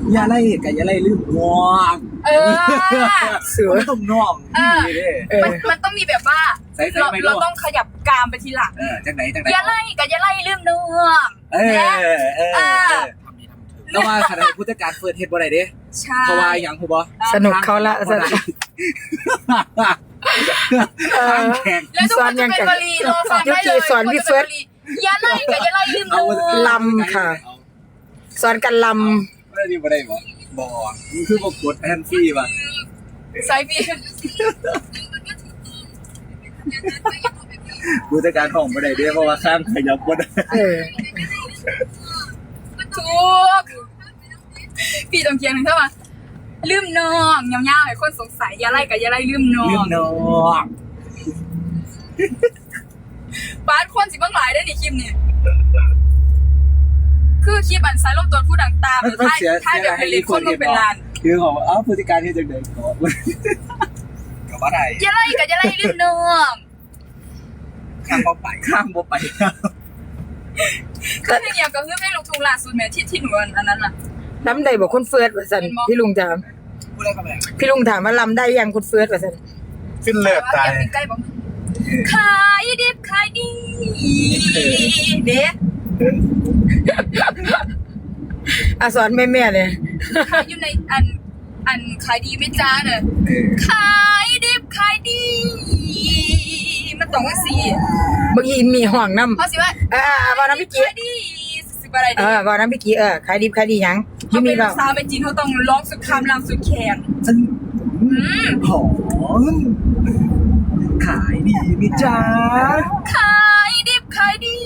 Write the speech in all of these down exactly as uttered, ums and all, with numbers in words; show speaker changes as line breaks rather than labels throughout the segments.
อย่าไล่กันอย่าไล่ลืมง่วง
เออ
เสือต้องน่องนี่เด้
มันมันต้องมีแบบว่าเราเราต้องขยับกามไปทีหลัง
เออจังไหนจังไหน
อย่าไล่กันอย่าไล่ลืมน่วง
เออเออก็ว่าขณะผู้จัดการเฟิร์สเฮ็ดบ่ได้เด้เพราะว่าอย่างฮู้บ่
สนุกเขาละสนุก
เออแล้วทุกคนจะเป็นบรีรอฟังได้เลยสอนพี่เฟิร์สอย่าไล่กันอย่าไล่ลืมน่วง
ลำค่ะสอนกันลำ
ไม่ได้บ่ได้บ่บ่มันคือบ่กดแอนซี่ป่ะ
ใส่พี่
ผู้จัดการห้องบ่ได้เด้เพราะว่าข้างขยับบ่ได้
เออ
ถูกพี่ต้องเคียงหนึ่งเท่าไหร่ลืมน้องยาวๆให้คนสงสัยอย่าไล่กับอย่าไล่ลืมน้อง
ลืมน้อง
บ้านคนสิบ้างหลายได้ในคลิปนี้คือคลิปอันสายลมตัวผู้ดังตามหรือท้ายท้ายแบบเป็นเล็กคนก็เป็นลาน
คือของเอ้าผู้จัดการที่จังได๋ก็ก็บ่ได้
อย่าไล่กับอย่าไล่ลืมน้อง
ข้ามบ่ไปข้ามบ่ไป
คือเพลงเดียวกับคือเพลงลูกทุ่งล่าสุดแม่ที่ที่หนูอันนั้นน่ะ
ลำได้บอกคุณเฟิร์สว่าซั่นพี่ลุงถามพี่ลุงถามว่าลำได้ยังคุณเฟิร์สว่าซั่น
ขึ้นเลิศตาย
ใกล้บ่ขายดิบขายดีเด้
อ่ะสอนแม่ๆเลย
ขายอยู่ในอันอันขายดีไหมจ้าเด้อขายดิบขายดีมันต้องว่าสิ
บางทีมีห่วงนำ
เพราะสิว่า
อ่าๆบ่น้ำพี่กี้
สิบ่ได้
เออบ่น้ำพี่กี้เออขายดิบขายดีหยัง
อยู่มีบ่สาวเป็นจีนเขาต้องร้องสุดคำรำสุดแขน
อืมหอมขายดีมิจ้า
ขายดิบขายดี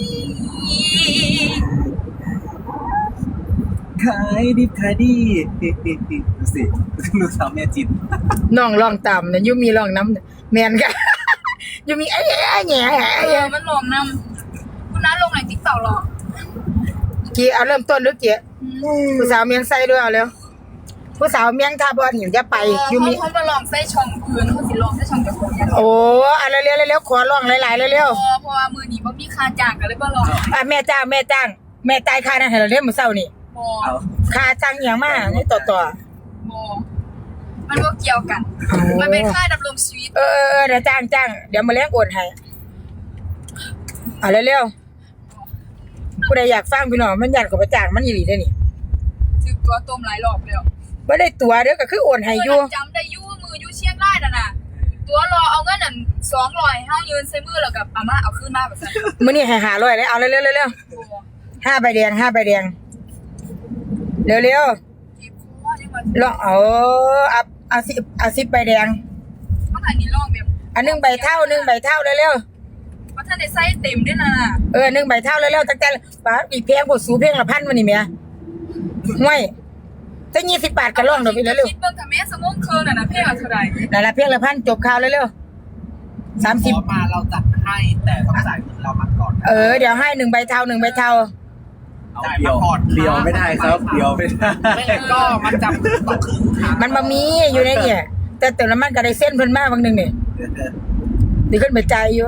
ขายดิบขายดีดูสิดูสาวแม่จิน
น้องร้องตามนะยูมีร้องน้ำแม่นค่ะยูมีไอ้ไอ้แง่
เออมันร้องนำคุณน้าลงใน TikTok หรอ
กี้เอาเริ่มต้นด้วยกี้ผู้สาวเมียงไส้ด้วยเอาแล้วผู้สาวเมียงท่าบ่หิวจะไป
ยูมีเขามาลองไส้ช่องพื้นเขาสิลองไส้ช่องกับคน
โอ้เอาเร็วๆเร็วๆขอร้องหลายๆเร็ว
ๆเพราะว่ามื้อนี้บ่มีค่าจ้างกันเลยบ่ลอง
อ่ะแม่จ้างแม่จ้างแม่จ่ายค่านั้นให้เราเด้มื้อเช้านี่ค่าจ้างอย่างมากนี่ต่อต่อ
มันก็เกี่ยวกันมันเป็นค่าดำรงชีวิต
เออเดี๋ยวจ้างจ้างเดี๋ยวมาเลี้ยงโอนให้เอาเร็วๆผู้ใดอยากฟังพี่น้องมันอยากขอประจ้างมันอีหลีได้นี่
ถือตัวต้มหลายรอบแล้ว
บ่ได้ตัวเด้อก็คือโอนให้อยู่
จำได้อยู่มืออยู่เชียงรายนั่นน่ะตัวรอเอาเงินนั่นสองร้อยเฮายืนใส่มือแล้วกับอาม่าเอาคืนมาแบบนั้น
มื้อนี้ให้ห้าร้อยเลยเอาเร็วๆเร็วๆห้าใบแดงห้าใบแดงเร็วๆลองเอาเอาเอาสิบเอาสิบใบแดง
มันอันนี้ลองแบบ
อันนึงใบเท่านึงใบเท่าเร็ว
ๆว่าท่านได้ใส่เต็มด้วยน่ะ
เออนึงใบเท่าเร็วๆตั้งแต่ป้าอีเพลงบ่สูเพลงละพันมื้อนี้แม่ห้วยจะยี่สิบบาทก็ลองดอกพี่เร็ว
คิดเบิ่งถ้าแม่สมมุติคืนน่ะนะเพลงเท่าใด
นั่นล่ะเพลงละพันจบข่าวเร็วๆสามสิบ
มาเราจัดให้แต่ต้องจ่ายเงินเรามาก่อน
เออเดี๋ยวให้หนึ่งใบเท่าหนึ่งใบเท่า
จ่ายมาก่อนเดียวไม่ได้ครับเดียวไม่ได้ก็มันจำต่อคืน
มันบ่มีอยู่ในเนี่ยแต่แต่ละมันก็ได้เส้นเพิ่นมาบางนึงนี่ดิขึ้นไปจ่ายอยู่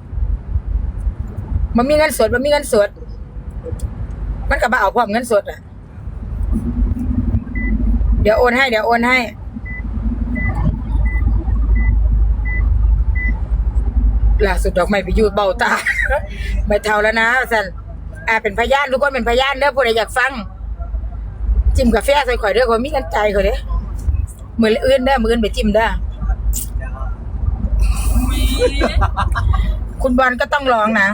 บ่มีเงินสดบ่มีเงินสดมันก็บ่เอาพร้อมเงินสดอ่ะเดี๋ยวโอนให้เดี๋ยวโอนให้ล่าสุดดอกไม้ไปอยู่เบ้าตาใบเท่าแล้วนะสั่นอ่าเป็นพยานทุกคนเป็นพยานเด้อผู้ใดอยากฟังจิ้มกาแฟใส่ข่อยเด้อข่อยมีกันใจข่อยเด้มื้ออื่นเด้อมื้ออื่นไปจิ้มเด้อคุณบอลก็ต้องร้องนะ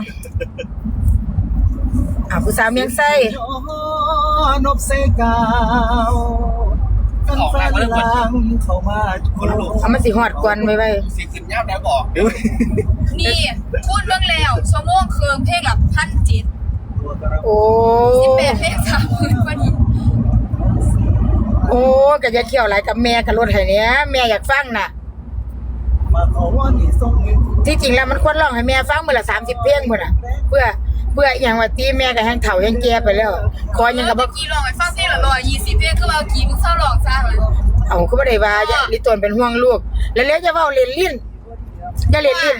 อ่ะผู้สาวเมียงไส้
นบเสกาวกันแฟนลังเข้ามาคนลุก
เอามันสิฮอดกวนไว้ไว้
สิขึ้นยาวแล้วบอก
นี่พูดเรื่องแล้วชั่วโมงครึ่งเพลงละพันเจ็ด
โอ้
สิบแปดเพลงสามหมื่นกว่านี้
โอ้ก็จะเที่ยวหลายกับแม่กับรถให้เนี้ยแม่อยากฟังน่ะที่จริงแล้วมันควรร้องให้แม่ฟังมื้อละสามสิบเพลงพุ่นน่ะเพื่อเพื่ออีหยังว่าตีแม่ก็แฮงเฒ่าแฮงแก่ไปแล้วขอหยังก็บ่
กี่ร้องให้ฟังเพลงละหนึ่งร้อยยี่สิบเพลงคือว่ากี่มึงเศร้าร้องซะเลย
เอ้าก็บ่ได้ว่าอย่าลิตนเป็นห่วงลูกแล้วแล้วจะเว้าเล่นลิ้นอย่าเล่นลิ้น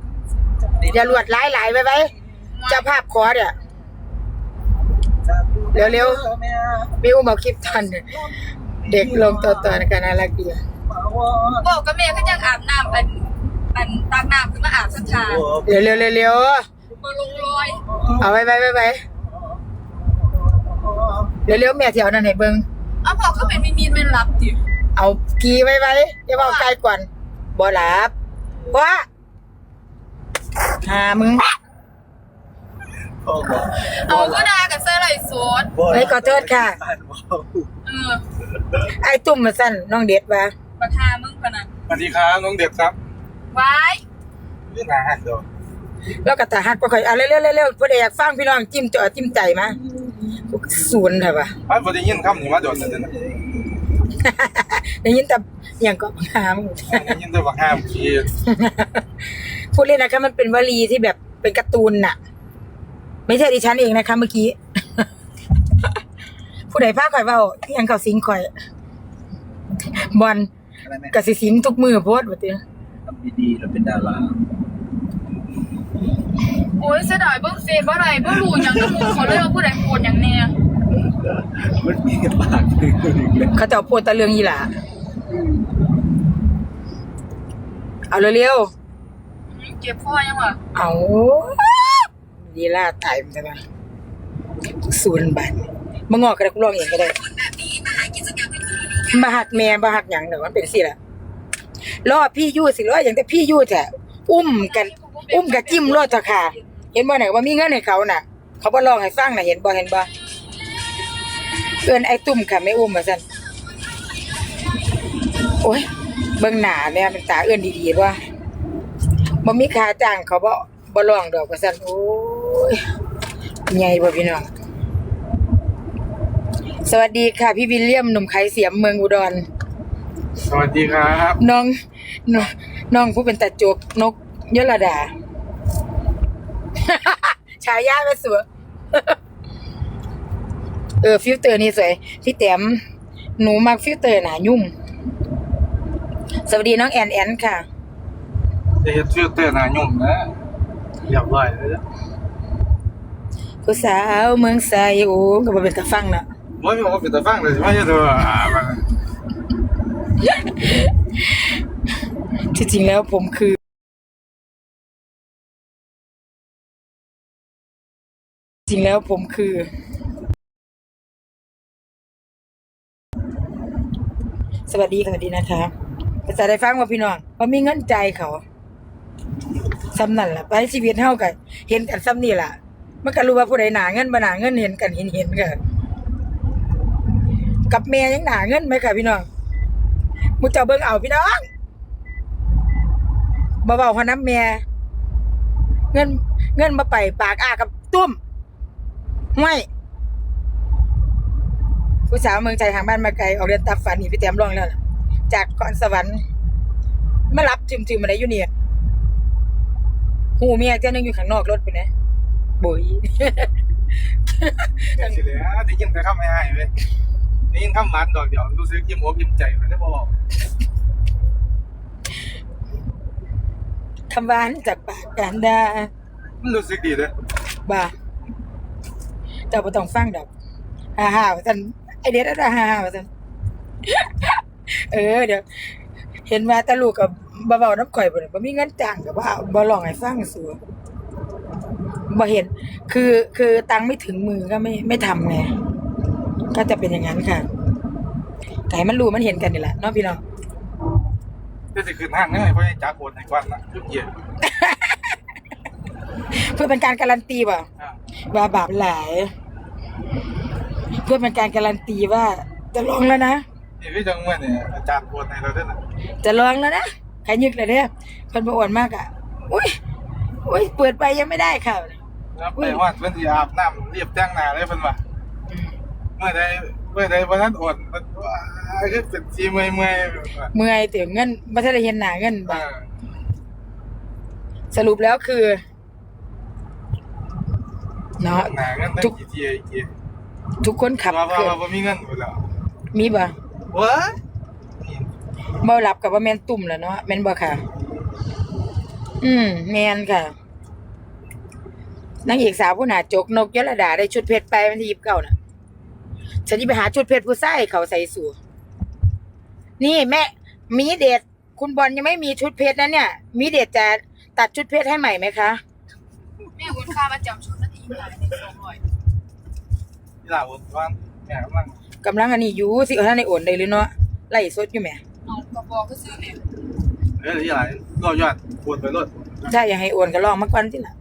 อย่าลวดหลายๆไว้ไว้เจ้าภาพขอเด้อเร็วๆมีอุ้มเอาคลิปทันเด็กลงตัวต่อในการน่ารักดี
บอกกับแม่ก็ยังอาบน้ำอันอันตักน้ำขึ้นมาอาบสักทาง
เร็วเร็วเร็วเร็ว
มาลงรอย
เอาไปไปไปไปเร็วเร็วแม่เที่ยวนั่นให้เบิ่ง
เอาพอเขาเป็นมีมีนเป็นรับดิ
เอากี่ไว้ไว้อย่าบอกไกลก่อนบ่หลับว่าหามึง
เอาก็ด่ากับเสื้อไหล่สด
เฮ้ยขอโทษค่ะ
เออ
ไอ้ตุ่มมาสั่นน้องเด็ดว่า
ประทามึงพนัน
สวัสดีครับน้องเด็กครับ
ไว้
เรื่องอาหารเดี๋ยว
แล้วก็ตาหักบ่ค่อยเอาเร็วเร็วเร็วเพื่ออยากฟังพี่น้องจิ้มจ่อจิ้มใจมาศูนย์ค่ะว่ะ
พัดพอได้ยินคำนี้มาโดนนั่นน่ะ
ได้ยินแต่อย่างก็หามึง
ได้ยินแต่ว่าห้ามขี้
พูดเล่นนะคะมันเป็นวลีที่แบบเป็นการ์ตูนน่ะ ไม่ใช่ดิฉันเองนะคะเมื่อกี้ ผู้ใดพาข่อยเว้ายังเขาสิงข่อย บอลกสิสิงทุกมือโพสต์ว่าติ
ทำดีๆเราเป็นดารา
โอ้ยเสียดายเบิ้งเฟซบ่ไรเบิ้งรู้อย่างก็มูเขาเลยว่าผู้ใดโกรธอย่างแน่
มันมีปาก
เขาเจ้าโพสต์แตะเรื่องอีหล่าเอาเร็ว
เจ็บคอยังวะ
ๆเอาดีล่าตายมันจะมาศูนย์บาทมางอกกระกูร้องเองก็ได้บาหักแม่บาหักหยังเดี๋ยวมันเป็นสิล่ะรอพี่ยู่สิรออย่างแต่พี่ยู่แท้อุ้มกัน อุ้มกับจิ้มรอดเถอะค่ะ เห็นบ่ไหนว่ามีเงินให้เขาน่ะ เขาบ่ลองให้ฟังน่ะเห็นบ่เห็นบ่เอิ้นไอ้ตุ่มค่ะไม่อุ้มว่าซั่นโอ้ยเบิ่งหน้าแม่เป็นตาเอิ้นดีๆว่าบ่มีค่าจ้างเขาบ่บ่ลองดอกว่าซั่นโอ้ยใหญ่บ่พี่น้องสวัสดีค่ะพี่วิลเลียมหนุ่มไข่เสียมเมืองอุดร
สวัสดีครับ
น้องน้องน้องผู้เป็นตาโจกนกยลดา ฉายาแม่สัว เออฟิลเตอร์นี่สวยพี่แต้มหนูมักฟิลเตอร์หนายุ่งสวัสดีน้องแอนแอนค่ะ
จะเฮ็ดฟิลเตอร์หน้ายุ่งนะเรียบร้อยเลยนะ
ผู้สาวเมืองไซโอ้ก็บ่เป็นตาฟังเนาะ
บ่มีว่าเป็นตาฟังเลยสิมาเฮ็ดเด้ออ่ามัน
ที่จริงแล้วผมคือจริงแล้วผมคือ สวัสดีค่ะสวัสดีนะคะภาษาได้ฟังว่าพี่น้องว่ามีเงินใจายเขาซ้ำนั่นล่ะไปชีวิตเฮากันเห็นกันซ้ำนี่ล่ะมันก็รู้ว่าผู้ใดหนาเงินบ่หนาเงินเห็นกันเห็นเห็นกันกับแม่ยังหนาเงินไหมค่ะพี่น้องมุเจ้าเบิ่งเอาพี่น้องบ่เว้าหัวน้ำแม่เงินเงินมาไปปากอ้ากับตุ้มห้วยผู้สาวเมืองใจทางบ้านมาไกลออกเรียนตับฝันนี่พี่แต้มร้องแล้วล่ะจากเกาะสวรรค์มารับจึมๆอะไรอยู่เนี่ยหูเมียเจ้านึงอยู่ข้างนอกรถไปนะบุย
ได้สิแล้วได้ยินแต่คำไม่ให้เว้ยได้ยินคำหวานดอกเดียวรู้สึกยิ้มอกยิ้มใจมันได้บ่บอก
คำหวานจากปากกันดา
มันรู้สึกดีเด้อ
บ่าเจ้าบ่ต้องฟังดอกฮ่าฮ่าว่าซั่นไอเด็ดอะฮ่าฮ่าว่าซั่น เออเดี๋ยวเห็นว่าตาลูกกับบ่เว้าน้ำข่อยบ่เนี่ยบ่มีเงินจ้างก็ว่าบ่ร้องให้ฟังสู้บ่เห็น คือคือตังค์ไม่ถึงมือก็ไม่ไม่ทำไงก็จะเป็นอย่างนั้นค่ะไก่มันรู้มันเห็นกันนี่แหละเนาะพี่น้อง
จะสิขึ้นห้างได้เพราะไอ้จักโอนให้กวนน่ะทุกเย็น
เพื่อเป็นการการันตีบ่
อ่า
ว่าบาปหลาย เพื่อเป็นการการันตีว่าจะลองแล้วนะ
นี่พี่จังเมื่อเนี่ยอาจารย์โอนให้เราด้วยนะ
จะลองแล้วนะใครยึกเลยเนี่ยเพิ่นบ่อ้วนมากอ่ะอุ้ยอุ้ยเปิดไปยังไม่ได้ค่ะ
แล้วไปฮอดเพิ่นสิอาบน้ำเรียบแต่งหน้าเลยเพิ่นว่าเมื่อใดเมื่อใดบ่ทันโอนมันว่าคือเป็นสิเมื่อยๆ
เมื่อยถึงเงินบ่ทันได้เห็นหน้าเงิน
เอ
บ่
อ
สรุปแล้วคือเนาะ
หน้าเงินได้กี่ทีอีกที
ทุกคนขับ
ว่า
เคลื่อน
ว่าบ่มีเงินหมดแล้ว
มีบ่
วะ
บ่หลับกับว่าแม่นตุ่มแหล้วเนาะแม่นบ่ค่ะ อืมแม่นค่ะนางเอกสาวผู้หน้าจกนกยลดาได้ชุดเพชรไปวันที่ยี่สิบเก้าน่ะฉันจะไปหาชุดเพชรผู้ใส่เขาใส่สูทนี่แม่มีเด็ดคุณบอลยังไม่มีชุดเพชรนะเนี่ย มีเด็ดจะตัดชุดเพชรให้ใหม่ไหมคะ
แม่คุณค่าประจำชุดนาทีหายในสองร้อย
ที่ลาอุ่นวันแม่กำลัง
กำลังอันนี้อยู่สิเอาท่านในโอนได้หรือเนาะไล่สดอยู่แหม่
เอากระบอกก็ซื้อเนี่ย
เออที่หลายรอยอดปวดไปรถ
ถ้าอยากให้โอนก็ลองมาก่อนสิล่ะ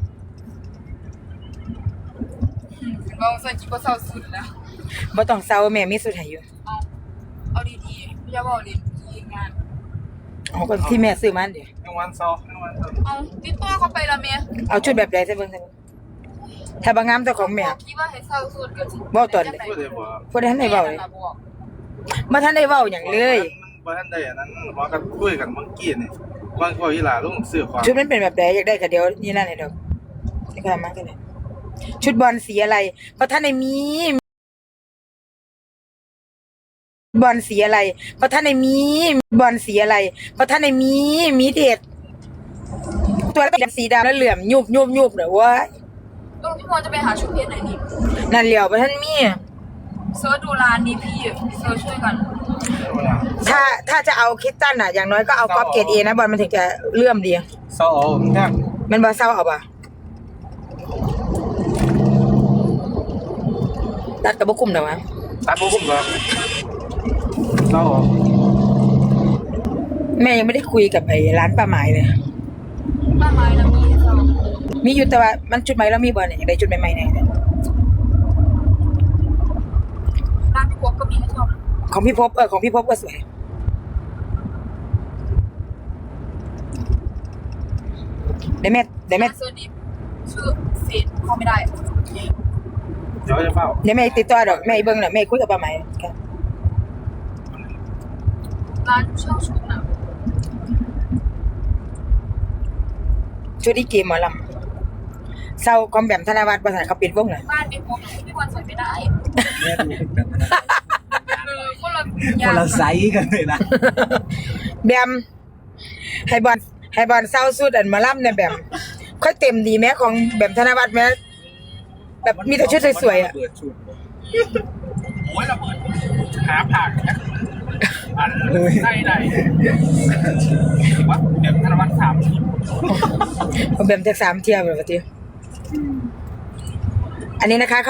เป็นว่าใส่กิ๊บก็เศร้าสุดแล้ว
บ่ต้องเซาแม่มีสุดให้อยู่
เอาเอาดีๆไม่ใช่ว่าเรียนดีงาน
เอาก็ที่แม่ซื้อมาอันเดี๋ยว
ทั้งวันเสาร์ทั้งวันเสาร์
เอาติดต่อเข้าไปละเมีย
เอาชุดแบบใดซะเบิ่งซะเบิ่งถ้าบ่งามเจ้าของแม่
คิดว่าให้เศร้าสุดก็สิ
เว้าตอนไหน
พูดเลยบอก
บ่ได้ทันได้เว้าเลยบ่ทันได้เว้าหยังเลย
มันบ่ทันได้อันนั้นหมอกันคุยกันเมื่อกี้นี่บางคนที่ลาลงซื้อของ
ชุดมันเป็นแบบใดอยากได้ก็เดี๋ยวนี่นั่นให้ดอกนี่ก็มากันเลยชุดบอลสีอะไรเพราะท่านได้มีบอลสีอะไรเพราะท่านได้มีบอลสีอะไรเพราะท่านได้มีมีเด็ดตัวเป็นสีดำแล้วเหลื่อมยุบยุบยุบเด้อเว้ย
ตรงพี่มอจะไปหาชุดเพชรไหนนี่
นั่นเหลียวเพราะท่านมี
เซิร์ชดูร้านดีพี่เซิร์ชช่วยกัน
ถ้าถ้าจะเอาคิตตันอ่ะอย่างน้อยก็เอากอล์ฟเกรดเอนะบอลมันถึงจะเลื่อมดี
เสาร์เอาแท่ง
มันบอเศร้าเอาป่ะตัดกับบกุ้มเดี๋ยววะ
ตัดบุ้มเลยเสาร์เอา
แม่ยังไม่ได้คุยกับไอ้ร้านป้าหมายเลย
บ้านไม้นะมีเศร้า
มีอยู่แต่ว่ามันชุดใหม่แล้วมีบอลเนี่ยอยากได้ชุดใหม่ๆเนี่ย
ร้านพี่พวกก็มีให้ชอบ
ของพี่พบเออของพี่พบก็สวยเดี๋ยวแม่เดี๋ยวแม่
เซิร์ชดีชื่อเฟซเข้าไม่ได้
เดี๋ยวจะเฝ้า
เดี๋ยวแม่ติดต่อดอกแม่เบิ้งน่ะแม่คุยกับป้าหมายค่ะ
ร้านเช่าชุดน่ะ
ชุดที่เกมหมอลำเศร้าคอมแบมธนวัฒน์ประสานเขาปิดวงน่ะ
บ้านพี่พวกพี่วันใส่ไม่ได้
แม่ดูเป็นแบบนั้น
เออคนละ
คนละไซส์กันเลยนะ
แบมให้บอลให้บอลเศร้าสุดอันหมาล่ำเนี่ยแบมค่อยเต็มดีแม้ของแบมธนวัฒน์แม้แบบมีแต่ชุดสวยๆอ่ะ
เปิดชุด
โอ้ยระเบิดหาผักนะอันได้ได้ว่าเดี๋ยวธนวัฒน์สามที
ของแบมจากสามเที่ยวแบบว่าที่อันนี้นะคะ